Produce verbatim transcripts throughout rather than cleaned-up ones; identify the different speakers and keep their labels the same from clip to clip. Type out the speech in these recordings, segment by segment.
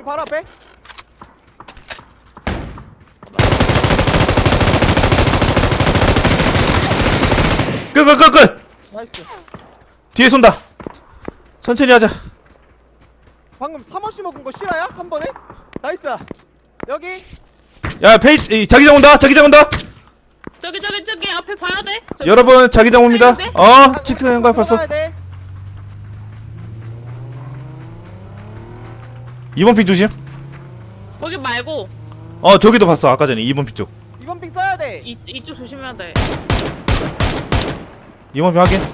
Speaker 1: 바로 앞에.
Speaker 2: 끝 끝 끝 끝.
Speaker 1: 나이스.
Speaker 2: 뒤에 쏜다. 천천히 하자.
Speaker 1: 방금 삼 호씩 먹은 거 실화야? 한 번에? 나이스. 여기.
Speaker 2: 야 페이 자기장 온다. 자기장 온다.
Speaker 3: 저기 저기 저기 앞에 봐야 돼. 저기.
Speaker 2: 여러분 자기장 옵니다. 어 치크 형과 봤어. 이번 픽 조심.
Speaker 3: 거기 말고
Speaker 2: 어 저기도 봤어. 아까 전에 이번 픽 쪽.
Speaker 1: 이번 픽 써야 돼.
Speaker 3: 이 이쪽 조심해야 돼.
Speaker 2: 이번 픽 확인.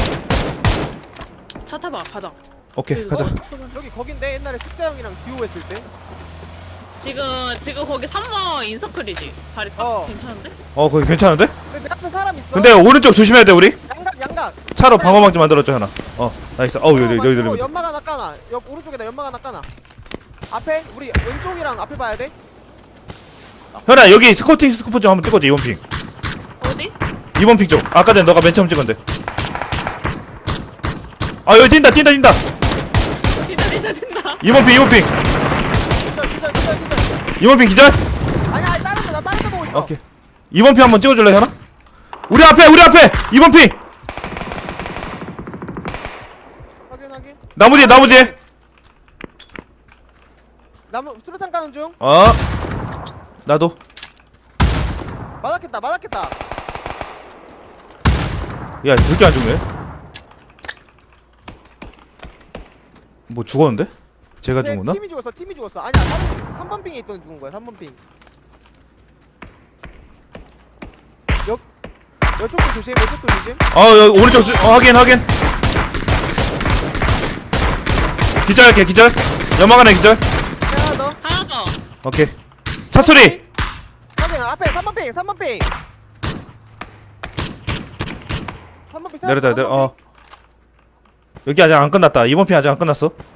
Speaker 3: 차 타봐 가자.
Speaker 2: 오케이 가자.
Speaker 1: 여기 거긴데 옛날에 숙자 형이랑 듀오 했을 때.
Speaker 3: 지금 지금 거기 삼 번 인서클이지. 자리 딱
Speaker 1: 어.
Speaker 3: 괜찮은데?
Speaker 2: 어 거기 괜찮은데?
Speaker 1: 근데 내 앞에 사람 있어.
Speaker 2: 근데 오른쪽 조심해야 돼 우리.
Speaker 1: 양각 양각.
Speaker 2: 차로 방어막지 만들었죠 하나. 어 나이스. 어우 여기 여기 여기.
Speaker 1: 연막 하나 까놔. 옆 오른쪽에다 연막 하나 까놔. 앞에 우리 왼쪽이랑 앞에 봐야 돼.
Speaker 2: 현아 여기 스코팅 스코프 좀 한번 찍어줘. 이번 픽.
Speaker 3: 어디?
Speaker 2: 이번 픽 쪽. 아까 전에 너가 맨 처음 찍었는데. 아 여기 뛴다 뛴다 뛴다.
Speaker 3: 진짜 진짜 진짜.
Speaker 2: 이번 픽 이번 픽.
Speaker 1: 기절 기절 기절 기절.
Speaker 2: 이번 픽 기절.
Speaker 1: 아니 아니 다른 데나 다른 데 보고 있어.
Speaker 2: 오케이. 이번 픽 한번 찍어줄래 현아? 우리 앞에 우리 앞에 이번 픽.
Speaker 1: 확인 확인.
Speaker 2: 나무 뒤에 나무 뒤에.
Speaker 1: 나무 수류탄 까는 중.
Speaker 2: 어. 나도.
Speaker 1: 맞았겠다 맞았겠다.
Speaker 2: 야 저렇게 안 죽네. 뭐 죽었는데? 제가
Speaker 1: 네,
Speaker 2: 죽었나?
Speaker 1: 팀이 죽었어 팀이 죽었어. 아니야 다른 삼 번 핑에 있던 죽은 거야 삼 번 핑. 여 여쪽도 조심 여쪽도 조심.
Speaker 2: 어 여기 오른쪽 주- 어, 확인 확인. 기절할게 기절. 연막 하나 기절.
Speaker 1: 하나 더.
Speaker 3: 하나 더.
Speaker 2: 오케이. 차 소리.
Speaker 1: 확인 앞에 삼 번 핑 삼 번 핑. 삼 번 핑
Speaker 2: 내려다 내려. 어. 여기 아직 안 끝났다. 이번 편 아직 안 끝났어.